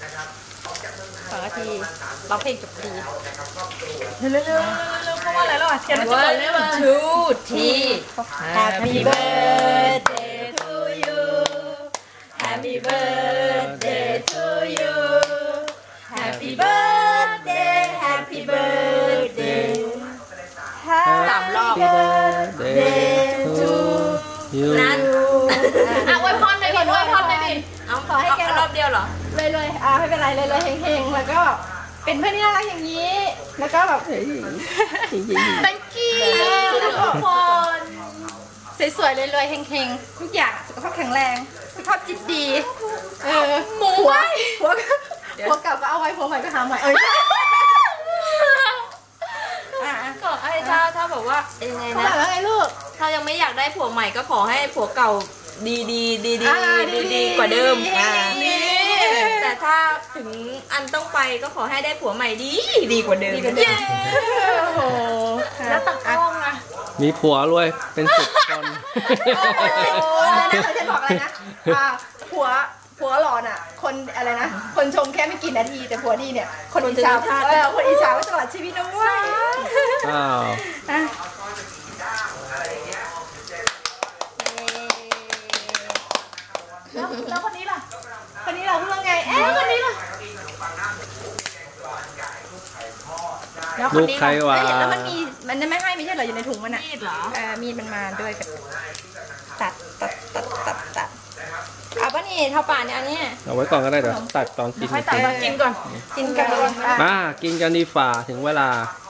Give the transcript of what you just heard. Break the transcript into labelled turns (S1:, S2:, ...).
S1: 2 นาทีร้องเพลงจบดี
S2: เร็วเพราะว่าอะไรแล้วอ่ะเทียนมันจะหมดแล้วอ่ะ
S1: 2 Happy birthday to you Happy birthday to you Happy birthday Happy birthday 3 รอบ birthday to you นั้นอวยพรหน่อยดิอวยพรหน่อยดิเอาขอให้แกรอบเดียวเหรอเลยไม่เป็นไรเลยเฮงๆแล้วก็เป็นเพื่อนที่น่ารักอย่างนี้แล้วก็แบบthank you ทุกคนสวยๆเลยเฮงๆทุกอย่างสุขภาพแข็งแรงสุขภาพจิตดีหัวเก่าก็เอาไว้หัวใหม่ก็หาใหม่
S2: ก็ไอ้ถ้าแบบว่ายังไงนะ
S1: แล้วไงลูก
S2: ถ้ายังไม่อยากได้ผัวใหม่ก็ขอให้ผัวเก่าดีกว่าเดิมแต่ถ้าถึงอันต้องไปก็ขอให้ได้ผัวใหม่ดีกว่าเดิม
S1: แล้วตักกล้องอะ
S3: มีผัวรวยเป็น10 คน
S1: นะเขาจะบอกอะไรนะผัวหล่อน่ะคนอะไรนะคนชมแค่ไม่กี่นาทีแต่ผัวดีเนี่ยคนอิจฉาคนอิจฉาไว้ตลอดชีวิตนะเว้ยแล้วคนนี้ล่ะพูดว่าไงคนนี้ล่ะ
S3: ลูกใครวะ
S1: แล้วมันไม่ให้ไม่ใช่เหรออยู่ในถุงมันอ่ะมีดเหรอมีดมันมาด้วยตัดเอาป่ะนี่เท่าป่านเนี่ยอันนี้
S3: เอาไว้ก่อนก็ได้เดี๋ยวตัดตอนกิน
S2: ค่อยตัดตอนกินก่อน
S3: มากินกันดีฝ่าถึงเวลา